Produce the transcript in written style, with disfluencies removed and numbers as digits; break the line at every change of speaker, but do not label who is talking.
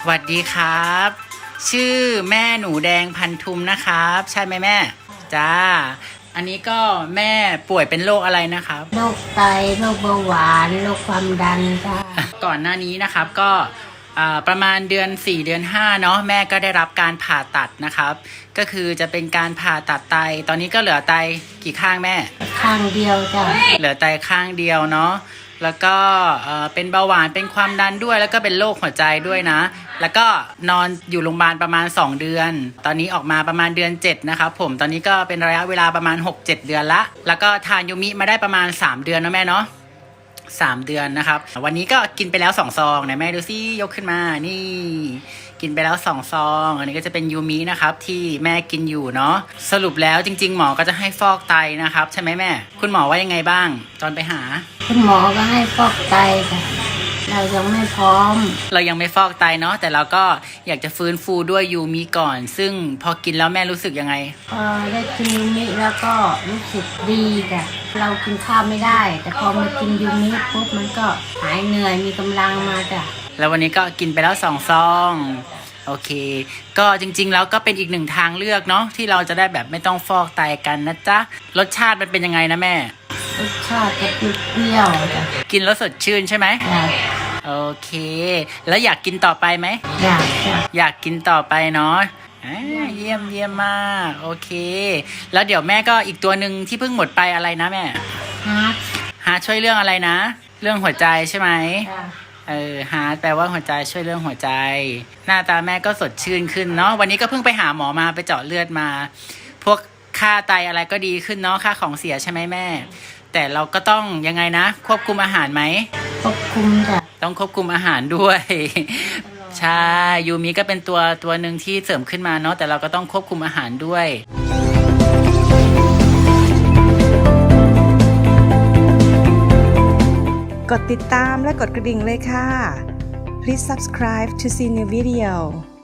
วัสดีครับ ชื่อแม่หนูแดงพันธุมนะครับ ใช่ไหมแม่จ้าอันนี้ก็แม่ป่วยเป็นโรคอะไรนะครับ
โรคไตโรคเบาหวานโรคความดันจ้า
ก่อนหน้านี้นะครับก็ประมาณเดือน4เดือน5เนาะแม่ก็ได้รับการผ่าตัดนะครับก็คือจะเป็นการผ่าตัดไตตอนนี้ก็เหลือไตกี่ข้างแม่
ข้างเดียวจ้ะ
เหลือไตข้างเดียวเนาะแล้วก็เป็นเบาหวานเป็นความดันด้วยแล้วก็เป็นโรคหัวใจด้วยนะแล้วก็นอนอยู่โรงพยาบาลประมาณ2เดือนตอนนี้ออกมาประมาณเดือน7นะครับผมตอนนี้ก็เป็นระยะเวลาประมาณ 6-7 เดือนละแล้วก็ทานยูมิมาได้ประมาณ3เดือนนะแม่เนาะ3 เดือนนะครับวันนี้ก็กินไปแล้ว2 ซองไหนแม่ดูซิยกขึ้นมานี่กินไปแล้ว2 ซองอันนี้ก็จะเป็นยูมินะครับที่แม่กินอยู่เนาะสรุปแล้วจริงๆหมอก็จะให้ฟอกไตนะครับใช่ไหมแม่คุณหมอว่ายังไงบ้างตอนไปหา
คุณหมอก็ให้ฟอกไตค่ะเรายังไม่พร้อม
เรายังไม่ฟอกไตเนาะแต่เราก็อยากจะฟื้นฟูด้วยยูมิก่อนซึ่งพอกินแล้วแม่รู้สึกยังไง
ได้กินยูมิแล้วก็รู้สึกดีค่ะเรากินข้าวไม่ได้แต่พอมากินยูมิปุ๊บมันก็หายเหนื่อยมีกำลังมาจ้ะ
แล้ววันนี้ก็กินไปแล้ว2 ซองโอเคก็จริงๆแล้วก็เป็นอีก1 ทางเลือกเนาะที่เราจะได้แบบไม่ต้องฟอกไตกันนะจ๊ะรสชาติมันเป็นยังไงนะแม่
รสชาติจะเปรี้ยวจ้ะ
กินแล้วสดชื่นใช่ไหมโอเคแล้วอยากกินต่อไปไหมอยากกินต่อไปเนาะเยี่ยมมากโอเคแล้วเดี๋ยวแม่ก็อีกตัวหนึ่งที่เพิ่งหมดไปอะไรนะแม่ฮาร์ทช่วยเรื่องอะไรนะเรื่องหัวใจใช่ไหมฮาร์ทแปลว่าหัวใจช่วยเรื่องหัวใจหน้าตาแม่ก็สดชื่นขึ้นเนาะวันนี้ก็เพิ่งไปหาหมอมาไปเจาะเลือดมาพวกค่าไตอะไรก็ดีขึ้นเนาะค่าของเสียใช่ไหมแม่แต่เราก็ต้องยังไงนะควบคุมอาหารไหม
ควบคุมจ้ะ
ต้องควบคุมอาหารด้วยใช่ยูมิก็เป็นตัวหนึ่งที่เสริมขึ้นมาเนาะแต่เราก็ต้องควบคุมอาหารด้วย
กดติดตามและกดกระดิ่งเลยค่ะ Please subscribe to see new video